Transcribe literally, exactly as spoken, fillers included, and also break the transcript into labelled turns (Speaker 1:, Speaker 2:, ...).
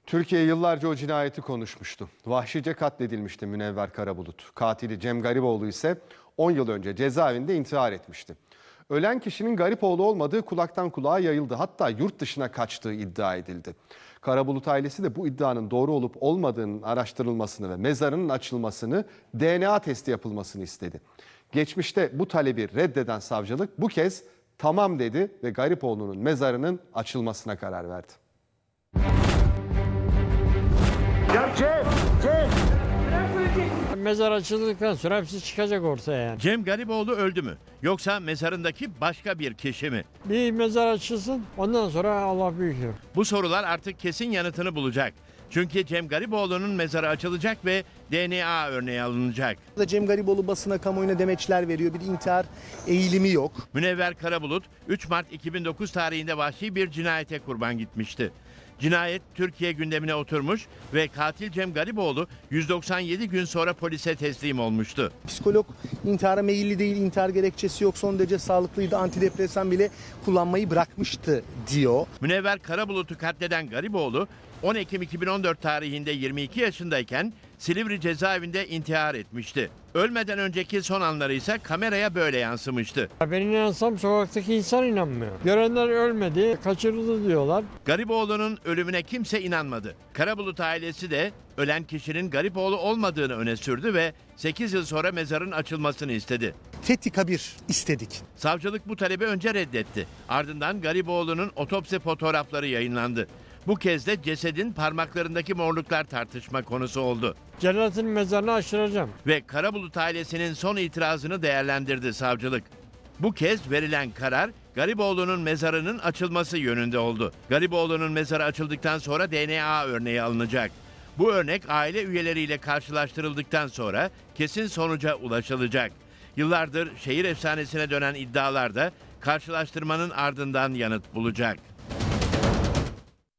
Speaker 1: Türkiye yıllarca o cinayeti konuşmuştu. Vahşice katledilmişti Münevver Karabulut. Katili Cem Garipoğlu ise on yıl önce cezaevinde intihar etmişti. Ölen kişinin Garipoğlu olmadığı kulaktan kulağa yayıldı. Hatta yurt dışına kaçtığı iddia edildi. Karabulut ailesi de bu iddianın doğru olup olmadığının araştırılmasını ve mezarının açılmasını, D N A testi yapılmasını istedi. Geçmişte bu talebi reddeden savcılık bu kez tamam dedi ve Garipoğlu'nun mezarının açılmasına karar verdi.
Speaker 2: Ya Cem, Cem.
Speaker 3: Mezar açıldıktan sonra hepsi çıkacak ortaya yani.
Speaker 4: Cem Garipoğlu öldü mü? Yoksa mezarındaki başka bir kişi mi?
Speaker 3: Bir mezar açılsın, ondan sonra Allah büyüktür.
Speaker 4: Bu sorular artık kesin yanıtını bulacak. Çünkü Cem Garipoğlu'nun mezarı açılacak ve D N A örneği alınacak.
Speaker 2: Cem Garipoğlu basına, kamuoyuna demeçler veriyor. Bir intihar eğilimi yok.
Speaker 4: Münevver Karabulut üç Mart iki bin dokuz tarihinde vahşi bir cinayete kurban gitmişti. Cinayet Türkiye gündemine oturmuş ve katil Cem Garipoğlu yüz doksan yedi gün sonra polise teslim olmuştu.
Speaker 2: Psikolog intihara meyilli değil, intihar gerekçesi yok, son derece sağlıklıydı, antidepresan bile kullanmayı bırakmıştı diyor.
Speaker 4: Münevver Karabulut'u katleden Garipoğlu on Ekim iki bin on dört tarihinde yirmi iki yaşındayken Silivri cezaevinde intihar etmişti. Ölmeden önceki son anları ise kameraya böyle yansımıştı.
Speaker 3: Ben inansam sokaktaki insan inanmıyor. Görenler ölmedi, kaçırıldı diyorlar.
Speaker 4: Garipoğlu'nun ölümüne kimse inanmadı. Karabulut ailesi de ölen kişinin Garipoğlu olmadığını öne sürdü ve sekiz yıl sonra mezarın açılmasını istedi.
Speaker 2: Fethi Kabir istedik.
Speaker 4: Savcılık bu talebi önce reddetti. Ardından Garipoğlu'nun otopsi fotoğrafları yayınlandı. Bu kez de cesedin parmaklarındaki morluklar tartışma konusu oldu.
Speaker 3: Cennetin mezarını açtıracağım.
Speaker 4: Ve Karabulut ailesinin son itirazını değerlendirdi savcılık. Bu kez verilen karar Garipoğlu'nun mezarının açılması yönünde oldu. Garipoğlu'nun mezarı açıldıktan sonra D N A örneği alınacak. Bu örnek aile üyeleriyle karşılaştırıldıktan sonra kesin sonuca ulaşılacak. Yıllardır şehir efsanesine dönen iddialar da karşılaştırmanın ardından yanıt bulacak.